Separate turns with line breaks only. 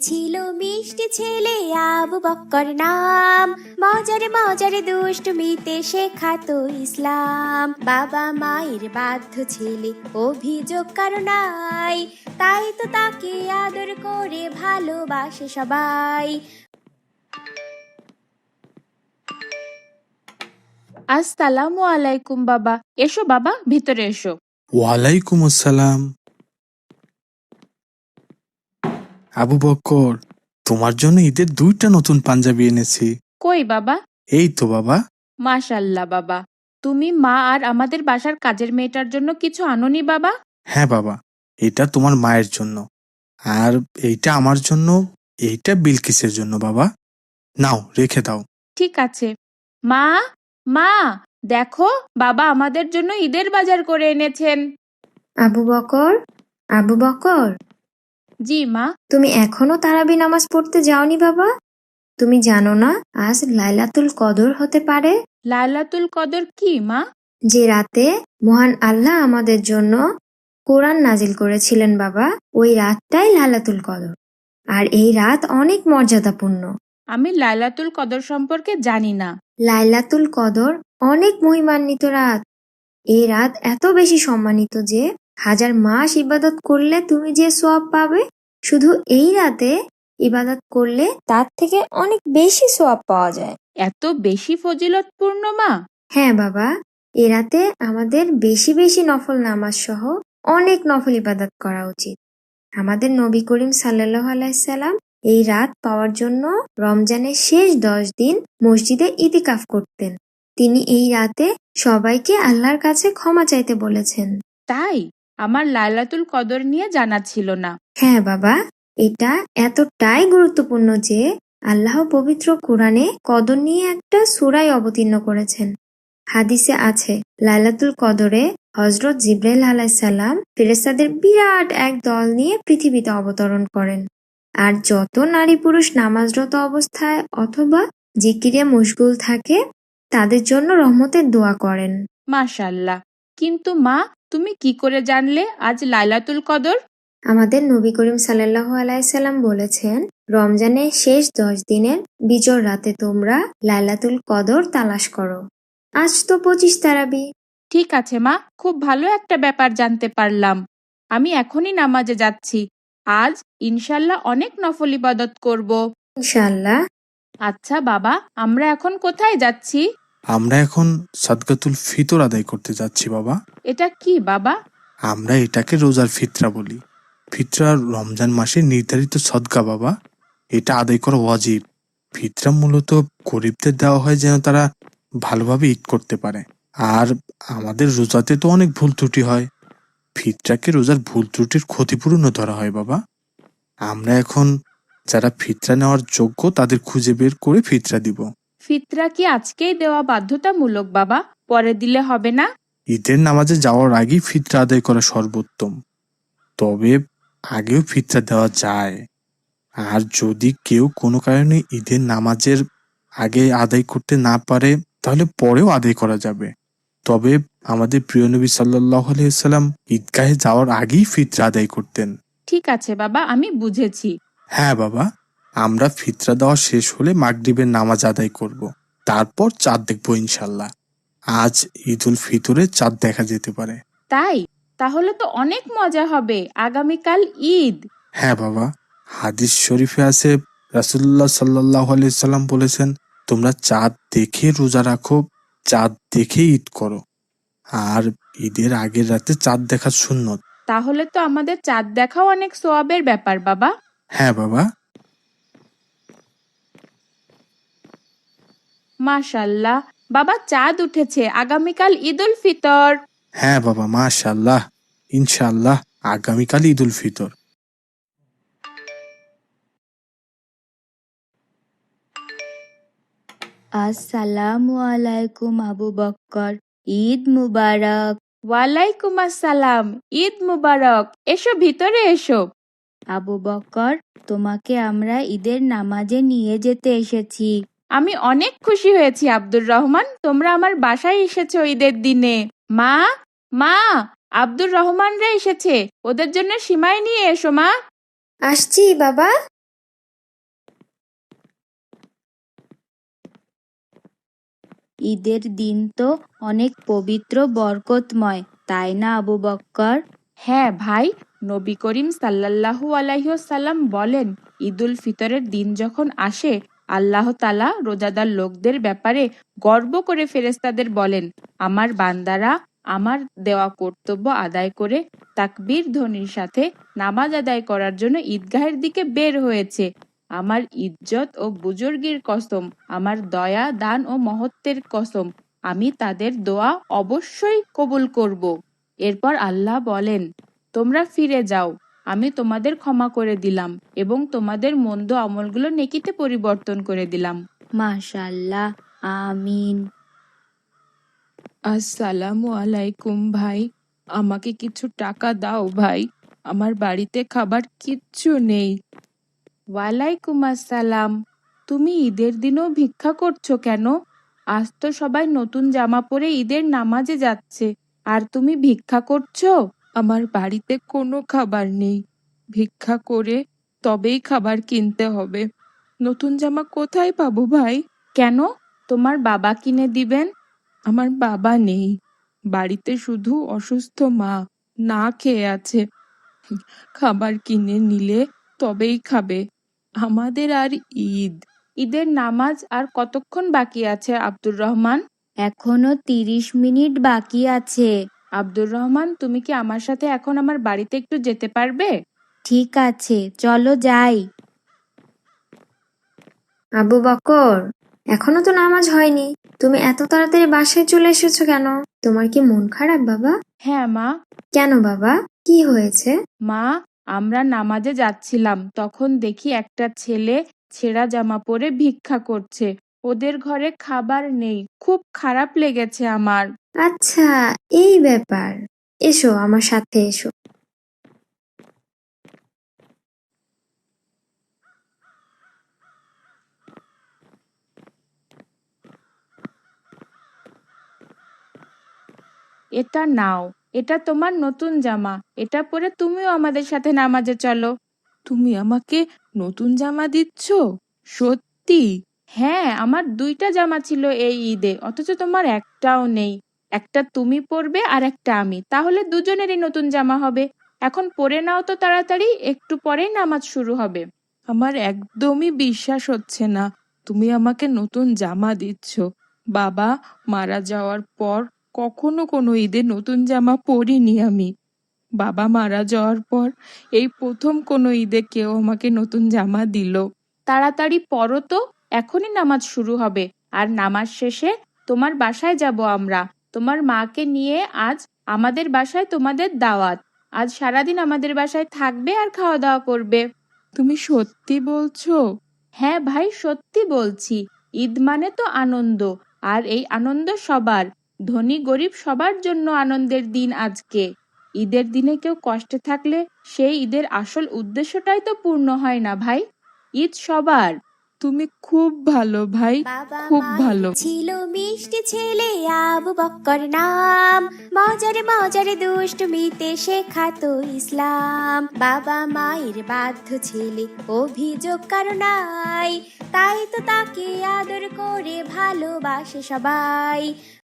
ছিল মিষ্টি ছেলে আবু বক্কর নাম, মজারে মজারে দুষ্টুমিতে শেখাতো ইসলাম। বাবা মায়ের বাধ্য ছেলে, অভিযোগ কারো নাই, তাই তো তাকে আদর করে ভালোবাসে সবাই।
আসসালামু আলাইকুম বাবা। এসো বাবা, ভিতরে এসো।
ওয়ালাইকুম আসসালাম। আবু বক্কর, তোমার জন্য ঈদের 2টা নতুন পাঞ্জাবি এনেছি।
কই বাবা?
এই তো বাবা।
মাশাল্লাহ বাবা, তুমি মা আর আমাদের বাসার কাজের মেয়েটার জন্য কিছু আনোনি বাবা?
হ্যাঁ বাবা, এটা তোমার মায়ের জন্য, আর এইটা আমার জন্য, এইটা বিলকিসের জন্য। বাবা, নাও, রেখে দাও।
ঠিক আছে। মা, মা, দেখো বাবা আমাদের জন্য ঈদের বাজার করে এনেছেন।
আবু বকর, আবু বকর,
জি মা।
তুমি এখনো তারাবি নামাজ পড়তে যাওনি বাবা? তুমি জানো না আজ লাইলাতুল কদর হতে পারে?
লাইলাতুল কদর কি মা?
যে রাতে মহান আল্লাহ আমাদের জন্য কোরআন নাজিল করেছিলেন বাবা, ওই রাতটাই লাইলাতুল কদর। আর এই রাত অনেক মর্যাদাপূর্ণ।
আমি লাইলাতুল কদর সম্পর্কে জানি না।
লাইলাতুল কদর অনেক মহিমান্বিত রাত। এই রাত এত বেশি সম্মানিত যে 1000 মাস ইবাদত করলে তুমি যে সওয়াব পাবে, শুধু এই রাতে ইবাদত করলে তার থেকে অনেক বেশি সওয়াব পাওয়া যায়।
এত বেশি ফজিলতপূর্ণ মা?
হ্যাঁ বাবা, এ রাতে আমাদের বেশি বেশি নফল নামাজ সহ অনেক নফল ইবাদত করা উচিত। আমাদের নবী করিম সাল্লাল্লাহু আলাইহি সাল্লাম এই রাত পাওয়ার জন্য রমজানের শেষ 10 দিন মসজিদে ইতিকাফ করতেন। তিনি এই রাতে সবাইকে আল্লাহর কাছে ক্ষমা চাইতে বলেছেন।
তাই? আমার লাইলাতুল কদর নিয়ে জানা ছিল না।
হ্যাঁ বাবা, এটা এতটাই গুরুত্বপূর্ণ যে আল্লাহ পবিত্র কোরআনে কদর নিয়ে একটা সূরাই অবতীর্ণ করেছেন। হাদিসে আছে, লাইলাতুল কদরে হযরত জিবরাইল আলাইহিস সালাম ফেরেশতাদের বিরাট এক দল নিয়ে পৃথিবীতে অবতরণ করেন। আর যত নারী পুরুষ নামাজরত অবস্থায় অথবা জিকিরে মশগুল থাকে তাদের জন্য রহমতের দোয়া করেন।
মাশাল্লাহ। কিন্তু মা, তুমি কি করে জানলে আজ লাইলাতুল কদর?
আমাদের নবী করিম সাল্লাল্লাহু আলাইহি সাল্লাম বলেছেন, রমজানের শেষ 10 দিনের বিজর রাতে তোমরা লাইলাতুল কদর তালাশ করো। আজ তো 25 তারাবি।
ঠিক আছে মা, খুব ভালো একটা ব্যাপার জানতে পারলাম। আমি এখনই নামাজে যাচ্ছি। আজ ইনশাল্লাহ অনেক নফল ইবাদত করব।
ইনশাআল্লাহ।
আচ্ছা বাবা, আমরা এখন কোথায় যাচ্ছি?
আমরা এখন সাদকাতুল ফিতর আদায় করতে যাচ্ছি বাবা।
এটা কি বাবা?
আমরা এটাকে রোজার ফিতরা বলি। ফিতরা রমজান মাসে নির্ধারিত সদকা বাবা, এটা আদায় করা ওয়াজিব। ফিতরা মূলত গরিবদের দেওয়া হয় যেন তারা ভালোভাবে ঈদ করতে পারে। আর আমাদের রোজাতে তো অনেক ভুল ত্রুটি হয়, ফিতরাকে রোজার ভুল ত্রুটির ক্ষতিপূরণও ধরা হয় বাবা। আমরা এখন যারা ফিতরা নেওয়ার যোগ্য তাদের খুঁজে বের করে ফিতরা দিব।
ফিতরা কি আজকেই দেওয়া বাধ্যতামূলক বাবা? পরে দিলে হবে না?
ঈদের নামাজে যাওয়ার আগেই ফিতরা আদায় করা সর্বোত্তম, তবে আগেও ফিতরা দেওয়া যায়। আর যদি কেউ কোনো কারণে ঈদের নামাজের আগে আদায় করতে না পারে তাহলে পরেও আদায় করা যাবে। তবে আমাদের প্রিয় নবী সাল্লাল্লাহু আলাইহি সাল্লাম ঈদগাহে যাওয়ার আগেই ফিতরা আদায় করতেন।
ঠিক আছে বাবা, আমি বুঝেছি।
হ্যাঁ বাবা, আমরা ফিতরা দেওয়া শেষ হলে মাগরিবের নামাজ আদায় করব, তারপর চাঁদ দেখবো ইনশাল্লাহ। আজ ঈদ উল ফিতরে চাঁদ দেখা যেতে পারে।
তাই? তাহলে তো অনেক মজা হবে। আগামীকাল ঈদ।
হ্যাঁ বাবা, হাদিস শরীফে আছে, রাসূলুল্লাহ সাল্লাল্লাহু আলাইহি সাল্লাম বলেছেন, তোমরা চাঁদ দেখে রোজা রাখো, চাঁদ দেখে ঈদ করো। আর ঈদের আগের রাতে চাঁদ দেখা সুন্নত।
তাহলে তো আমাদের চাঁদ দেখাও অনেক সোয়াবের ব্যাপার বাবা।
হ্যাঁ বাবা।
মাশাল্লাহ বাবা, চাঁদ উঠেছে। আগামীকাল ঈদ উল ফিতর।
হ্যাঁ বাবা, মাশাআল্লাহ। ইনশাআল্লাহ আগামীকাল ঈদ উল ফিতর।
আসসালামু আলাইকুম আবু বক্কর, ঈদ মুবারক।
ওয়ালাইকুম আসসালাম, ঈদ মুবারক। এসো, ভিতরে এসো।
আবু বক্কর, তোমাকে আমরা ঈদের নামাজে নিয়ে যেতে এসেছি।
আমি অনেক খুশি হয়েছি আব্দুর রহমান, তোমরা আমার বাসায় এসেছো ঈদের দিনে। মা, মা, আব্দুর রহমানরা এসেছে, ওদের জন্য সিমাই নিয়ে এসো মা।
আসছি বাবা।
ঈদের দিন তো অনেক পবিত্র বরকতময়, তাই না আবু বক্কর?
হ্যাঁ ভাই, নবী করিম সাল্লাল্লাহু আলাইহি ওয়াসাল্লাম বলেন, ঈদুল ফিতরের দিন যখন আসে আল্লাহ তাআলা রোজাদার লোকদের ব্যাপারে গর্ব করে ফেরেশতাদের বলেন, আমার বান্দারা আমার দেওয়া কর্তব্য আদায় করে তাকবীর ধ্বনির সাথে নামাজ আদায় করার জন্য ঈদগাহের দিকে বের হয়েছে। আমার ইজ্জত ও বুজুর্গির কসম, আমার দয়া দান ও মহত্বের কসম, আমি তাদের দোয়া অবশ্যই কবুল করব। এরপর আল্লাহ বলেন, তোমরা ফিরে যাও, আমি তোমাদের ক্ষমা করে দিলাম এবং তোমাদের মন্দ আমলগুলো নেকিতে পরিবর্তন করে দিলাম।
মাশাআল্লাহ, আমিন।
আসসালামু আলাইকুম ভাই, আমাকে কিছু টাকা দাও ভাই, আমার বাড়িতে খাবার কিচ্ছু নেই। ওয়ালাইকুম আসসালাম। তুমি ঈদের দিনও ভিক্ষা করছো কেন? আজ তো সবাই নতুন জামা পরে ঈদের নামাজে যাচ্ছে, আর তুমি ভিক্ষা করছো? আমার বাড়িতে কোনো খাবার নেই, ভিক্ষা করে তবেই খাবার কিনতে হবে। নতুন জামা কোথায় পাবো ভাই? কেন, তোমার বাবা কিনে দিবেন। আমার বাবা নেই, বাড়িতে শুধু অসুস্থ মা না খেয়ে আছে, খাবার কিনে নিলে তবেই খাবে। আমাদের আর ঈদের নামাজ আর কতক্ষণ বাকি আছে আব্দুর রহমান?
এখনো 30 মিনিট বাকি আছে।
আব্দুর রহমান, তুমি কি আমার সাথে এখন আমার বাড়িতে একটু যেতে পারবে?
ঠিক আছে, চলো যাই।
আবু বকর, এখনো তো নামাজ হয়নি, তুমি এত তাড়াতাড়ি বাসায় চলে এসেছো কেন? তোমার কি মন খারাপ বাবা?
হ্যাঁ মা।
কেন বাবা, কি হয়েছে?
মা, আমরা নামাজে যাচ্ছিলাম, তখন দেখি একটা ছেলে ছেঁড়া জামা পরে ভিক্ষা করছে, ওদের ঘরে খাবার নেই, খুব খারাপ লেগেছে আমার।
আচ্ছা, এই ব্যাপার। এসো আমার সাথে এসো।
এটা নাও, এটা তোমার নতুন জামা, এটা পরে তুমিও আমাদের সাথে নামাজে চলো। তুমি আমাকে নতুন জামা দিচ্ছ? সত্যি? হ্যাঁ, আমার 2টা জামা ছিল এই ঈদে, অথচ তোমার একটাও নেই। একটা তুমি পরবে আর একটা আমি, তাহলে দুজনেরই নতুন জামা হবে। এখন পরে নাও তো তাড়াতাড়ি, একটু পরেই নামাজ শুরু হবে। আমার একদমই বিশ্বাস হচ্ছে না তুমি আমাকে নতুন জামা দিচ্ছ। বাবা মারা যাওয়ার পর কখনো কোনো ঈদে নতুন জামা পরিনি আমি। বাবা মারা যাওয়ার পর এই প্রথম কোনো ঈদে কেউ আমাকে নতুন জামা দিল। তাড়াতাড়ি পরো তো, এখনই নামাজ শুরু হবে, আর নামাজ শেষে তোমার বাসায় যাব আমরা। তোমার মাকে নিয়ে আজ আমাদের বাসায় তোমাদের দাওয়াত। আজ সারাদিন আমাদের বাসায় থাকবে আর খাওয়া দাওয়া করবে। তুমি সত্যি বলছো? হ্যাঁ ভাই, সত্যি বলছি। ঈদ মানে তো আনন্দ, আর এই আনন্দ সবার, ধনী গরিব সবার জন্য আনন্দের দিন আজকে। ঈদের দিনে কেউ কষ্টে থাকলে সেই ঈদের আসল উদ্দেশ্যটাই তো পূর্ণ হয় না ভাই। ঈদ সবার। তুমি খুব ভালো ভাই,
বাবা
খুব
মায়ের
ভালো।
ছিল মিষ্টি ছেলে আবু বক্কর নাম, মজারে মজারে দুষ্টমিতে শেখাতো ইসলাম। বাবা মায়ের বাধ্য ছেলে, অভিযোগ কারো নাই, তাই তো তাকে আদর করে ভালোবাসে সবাই।